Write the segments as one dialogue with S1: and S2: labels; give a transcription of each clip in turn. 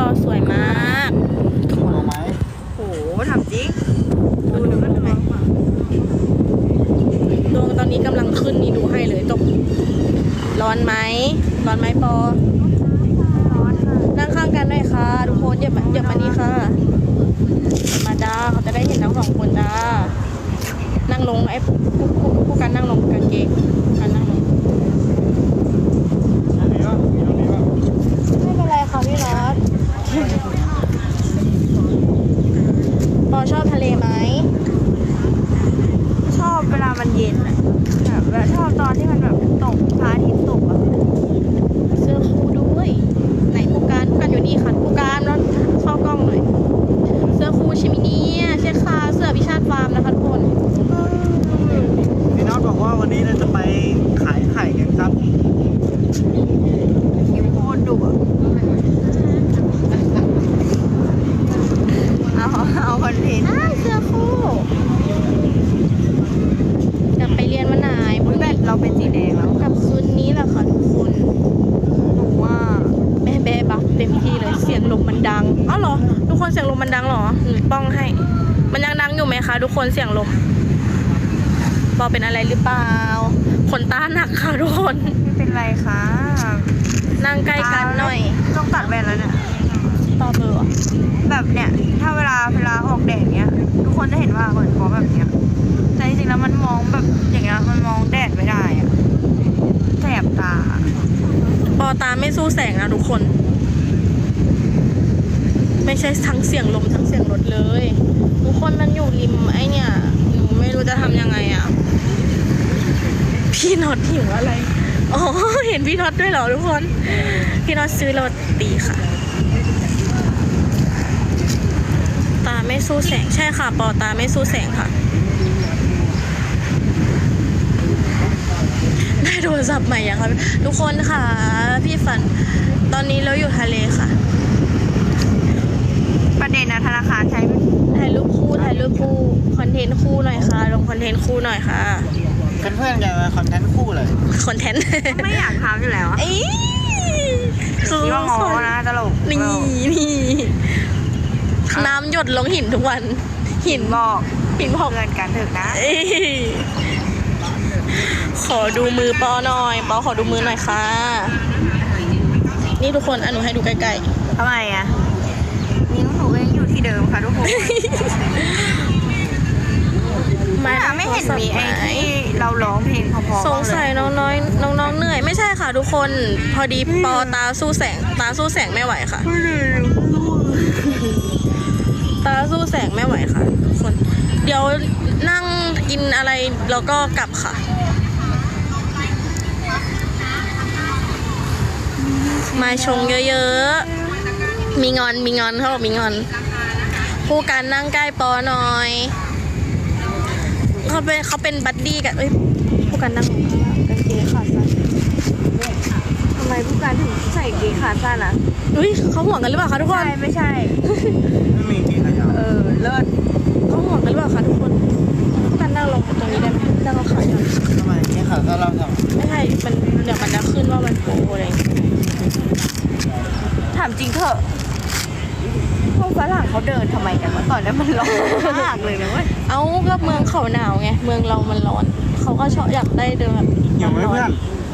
S1: สวยมาก
S2: เอาไหม
S3: โหทำจริงดูหนึ่งก็ทำไม
S1: ดวงตอนนี้กำลังขึ้นนี่ดูให้เลยตกร้อนไหมร้อนไหมปอ
S3: ร้อนค่ะ
S1: นั่งข้างกันหน่อยค่ะทุกคนเหยียบมานี่ค่ะมาจ้าเขาจะได้เห็นทั้งสองคนจ้านั่งลงไอ้ผู้กันนั่งลงกางเกงกันนั่งลง
S2: อันนี้วะมีตรงนี้วะ
S1: ไม่เป็นไรค่ะพี่รัตปอชอบทะเลไหม
S3: ชอบเวลามันเย็นอะแบบชอบตอนที่มันแบบตกพระอาทิตย์ตกอะ
S1: เสื้อคู่ด้วยไหนผู้การอยู่นี่ค่ะผู้การแล้วเข้ากล้องหน่อยเสื้อคู่ชิมิเนียใช่ค่ะเสื้อพิชาติฟาร์มนะคะทุกคน
S2: พี่น็อตบอกว่าวันนี้เราจะไปขายไข่กันครับ
S3: คิ้วโคตรดุอะเอาคอนเทนต์
S1: เสื้อคู่จะไปเรียนวันไหน
S3: อุ๊ยแบตเราเป็นสีแดงแล้ว
S1: กับคืนนี้แหละค่ะทุกคน
S3: หนูว่า
S1: แม่แบ๊บัฟเต็มที่เลยเสียงลมมันดังอ้าวเหรอทุกคนเสียงลมมันดังเหรอหนูป้องให้ มันยังดังอยู่ไหมคะทุกคนเสียงลมปอเป็นอะไรหรือเปล่าขนตาหนักค่ะทุกคน
S3: ไม่เป็นไรค่ะ
S1: นั่งใกล้กันหน่อย
S3: ต้องตัดแว่นแล้วเนี่ย
S1: ต่อเบอร์
S3: แบบเนี่ยถ้าเวลาออกแดดเนี้ยทุกคนจะเห็นว่าเหมือนฟอแบบเนี้ยแต่จริงๆแล้วมันมองแบบอย่างเงี้ยมันมองแดดไม่ได้อะแสบตา
S1: ปอตาไม่สู้แสงนะทุกคน ไม่ใช่ทั้งเสียงลมทั้งเสียงรถเลย ทุกคนมันอยู่ริมไอเนี่ยหนูไม่รู้จะทำยังไงอ่ะพี่น็อตหิวอะไรอ๋อเห็นพี่น็อตด้วยเหรอทุกคนพี่น็อตซื้อโรตีค่ะ ตาไม่สู้แสงใช่ค่ะปอตาไม่สู้แสงค่ะได้โทรศัพท์ใหม่ยังคะทุกคนค่ะพี่ฝันตอนนี้เราอยู่ทะเลค่ะ
S3: ประเด็นนะธนาคารใช้
S1: ถ่ายรูปคู่คอนเทนต์คู่หน่อยค่ะลงคอนเทนต์คู่หน่อยค่ะ
S2: เพื่อนๆกันมาคอนเทนต์คู่เลย
S1: คอนเทนต์
S3: ไม่อยากทำอยู่แล้วอะ
S1: เอ้ยคือ
S3: คิดว่างอนะตลก
S1: นี่น้ำหยดลงหินทุกวันหิน
S3: บอก
S1: หินบอก
S3: เพื่อนกันเถอะนะ
S1: เอ้ยขอดูมือปอหน่อยปอขอดูมือหน่อยค่ะ นี่ทุกคนหนูให้ดูใกล้
S3: ทำไมอะนิ้วหนูเองอยู่ที่เดิมค่ะทุกคน
S1: ๆมา
S3: ไม่เห็นมีไอ้ที่เราร้องเพลงเพอๆ
S1: สงสัยน้องเหนื่อยไม่ใช่ค่ะทุกคนพอดีปอตาสู้แสงไม่ไหวค่ะ ตาสู้แสงไม่ไหวค่ะทุกคนเดี๋ยวนั่งกินอะไรแล้วก็กลับค่ะมาชงเยอะๆมีงอนเขาบอกมีงอนผู้การนั่งใกล้ปอหน่อยเขาเป็นบัดดี้กันผู้การนั่งกางเกงขาสั้น
S3: ทำไมผู้การถึงใส่เกงขาสั้นอะ
S1: เขาห่วงกันหรือเปล่าคะทุกคน
S3: ใช่ไม่ใช่
S2: ไม่มีกี่ขยะ
S3: เลิศ
S1: เขาห่วงกันหรือเปล่าคะทุกคนผู้การนั่งลงตรงนี้ได้ไหมนั่งลงขาหย่อน
S2: ทำไมนี่ขาก็เราทำ
S1: ไม่ใช่เดี๋ยวมันจะขึ้นว่ามันโปอะไรอย่างเงี้ย
S3: ถามจริงเถอะพวกฝรั่งเขาเดินทำไมกันวะตอนนี้มันร้อนมากเลยนะเว้ย
S1: เอ้าก็เมืองเขาหนาวไง เมืองเรามันร้อน เขาก็ชอบอยากได้เดินแบบ
S2: หิวไหมเพื่อน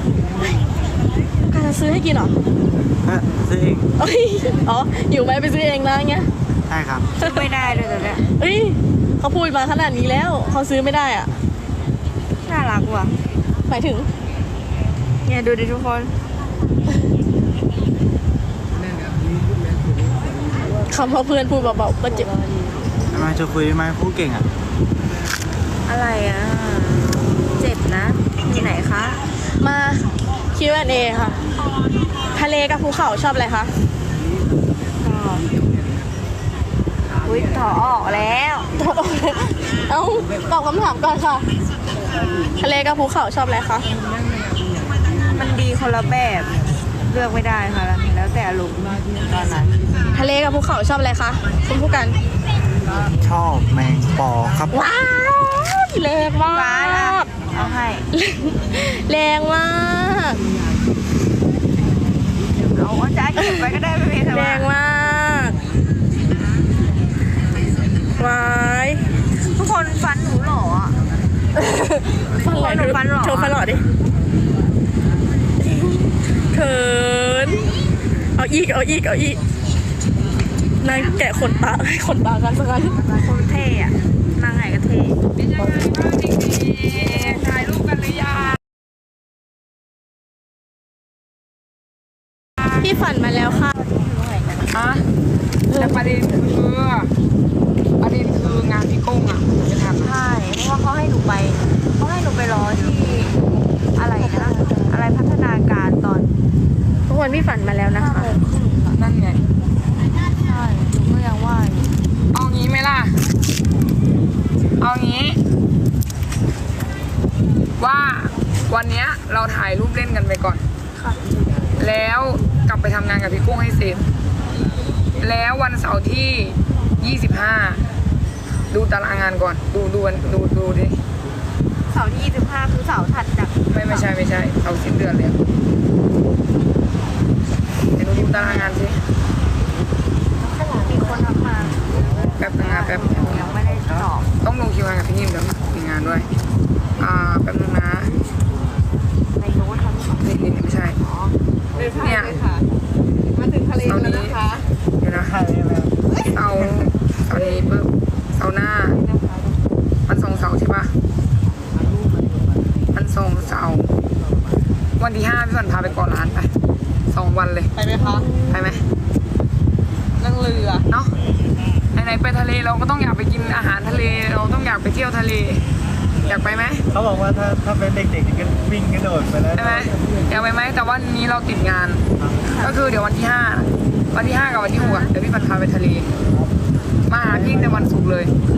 S1: การจะซื้อให้กินเหรอ
S2: ซื้อเอง
S1: เอ้ยอ๋ออยู่ไหมไปซื้อเองนะเงี้ย
S2: ใช่ครับ
S3: ซื้อไม่ได้เลยตอนเนี้ย
S1: เอ้ยเขาพูดมาขนาดนี้แล้ว เขาซื้อไม่ได้อ่ะ
S3: น่ารักว่ะ
S1: หมายถึง
S3: เนี่ยดูดิทุกคน
S1: คำว่าเพื่อนพูดเบาๆก็เจ็บ
S2: ทำไมจะคุยไหมคู่เก่งอ่ะ
S3: อะไรอ่ะเจ็บนะที่ไหนคะ
S1: มา Q&A ค่ะ ทะเลกับภูเขาชอบอะไรคะ
S3: อุ้ยถอออกแล้ว
S1: เอ้าตอบคำถามก่อนค่ะ ทะเลกับภูเขาชอบอะไรคะ
S3: มันดีคนละแบบเลือกไม่ได้ค่ะแล้วแต่อารมณ์ตอนนั้น
S1: ทะเลกับภูเขาชอบอะไรคะคุณผู้กัน
S2: ชอบแมงปอครับ
S1: ว้าวแรงมา
S3: ฟ้าละ
S1: ก
S3: เอาให้
S1: แรงมาก
S3: เอาจ้าเก็บไว้ก็ได้ไม่เป็นไร
S1: แรงมากวาย
S3: ทุกคนฟันหนูหล่ออ่ะ
S1: ฟันหล่อ
S3: หนูฟันหล่อ
S1: โชว์ฟันหล่อดิเขินเอาอีกนายแกะขนตาให้ขนตากันสักกัน
S3: คนเท่อะนางไหนก็เท่
S4: ถ่ายรูปกันหรือยัง
S1: พี่ฝันมาแล้วค่ะ
S4: อะแต่ประเด็นคืองานพี่กุ้งอ่ะจะทำ
S3: ใช่เพราะว่าเขาให้หนูไปรอที่อะไรนะอะไรพัฒนาการตอน
S1: ทุกคนพี่ฝันมาแล้วนะคะ
S4: นั่นไง
S3: ใช่หนูก็ยังว่าอยู่
S4: เอางี้ไหมล่ะ เอางี้ ว่าวันเนี้ยเราถ่ายรูปเล่นกันไปก่อน
S3: ค่ะ
S4: แล้วกลับไปทำงานกับพี่กุ้งให้เสร็จ แล้ววันเสาร์ที่ 25 ดูตารางงานก่อน ดูดิ
S3: เสาร์ที่25คือเสาร์ถัดจาก
S4: ไม่ใช่เอาสิ้นเดือนเลยเดี๋ยวดูตารางงานสิ
S3: มีคนทักมา
S4: แป๊บนึงนะแป๊บ
S3: ยังไม่ได้ตอบ
S4: ต้องลงคิวงานกับพี่นิ่มเดี๋ยวมีงานด้วย แป๊บนึงนะ
S3: ในโน้ตทั้งสอง
S4: นี่ไม่ใช่ เนี่ย
S1: มาถึงทะเล
S4: เสาร์
S1: แล้ว
S4: นี้
S1: นะคะ
S4: เดี๋ยวนะ
S2: ใช่ไหม
S4: เสาร์นี้ปุ๊บเสาร์หน้ามันส่งเสาร์ใช่ปะมันส่งเสาร์วันที่ 5พี่ฝันพาไปเกาะล้านไป2 วันเลย
S1: ไปไหมคะ
S4: ไปไหม
S1: นั่งเรือ
S4: เนาะไหนๆไปทะเลเราก็ต้องอยากไปกินอาหารทะเล เราต้องอยากไปเที่ยวทะเล อยากไปไหม
S2: เขาบอกว่าถ้าเป็นเด็กๆก็วิ่งกระโดดไปแล้ว
S4: ใช่ไหมอยากไปไหมแต่ว่านี้เราติดงาน ก็คือเดี๋ยววันที่ 5 วันที่ 5 กับวันที่ 6เดี๋ยวพี่ปันพาไปทะเล มาหาพี่แต่วันศุกร์เลย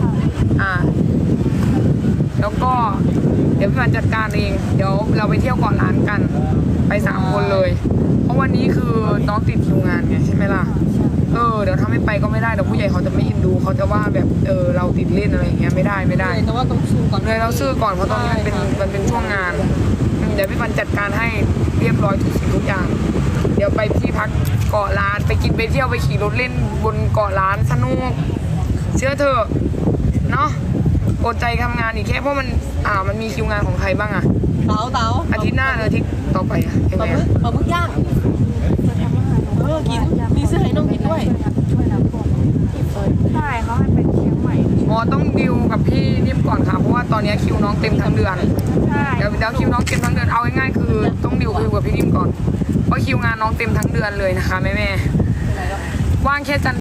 S4: แล้วก็เดี๋ยวพี่ปันจัดการเอง เดี๋ยวเราไปเที่ยวเกาะล้านกัน ไป3 คนเลย เพราะวันนี้คือน้องติดคิวงานไงใช่ไหมล่ะ เดี๋ยวถ้าไม่ไปก็ไม่ได้เดี๋ยวผู้ใหญ่เขาจะไม่อินดูเขาจะว่าแบบเราติดเล่นอะไรอย่างเงี้ยไม่ได้
S1: แต่ว่าต้องสู้ก่อน
S4: เลยเราซื้อก่อนเพราะตอนนี้มันเป็นช่วงงาน เดี๋ยวพี่ปันจัดการให้เรียบร้อยทุกสิ่งทุกอย่าง เดี๋ยวไปที่พักเกาะล้านไปกินไปเที่ยวไปขี่รถเล่นบนเกาะล้านสนุกเชื่อเถอะเนาะอดใจทำงานอีกแค่เพราะมันมีคิวงานของใครบ้างอะ
S1: เต๋า
S4: อาทิตย์หน้าหรืออาทิตย์ต่อไปอะยัง
S1: ป
S4: ไง
S1: ลาหมึ
S4: อะ
S1: กปลาหมึกย่างกินมีเสื้อให้น้องกินด้วย
S3: ช่วยน้ำท่วมใช่เขาให้ไปเชียงใหม่
S4: ต้องดิวกับพี่นิ่มก่อนค่ะเพราะว่าตอนนี้คิวน้องเต็มทั้งเดือน
S3: ใช่
S4: เดี๋ยวคิวน้องเต็มทั้งเดือนเอาง่ายๆคือต้องดิวกับพี่นิ่มก่อนเพราะคิวงานน้องเต็มทั้งเดือนเลยนะคะแม่ๆว่างแค่จันทร์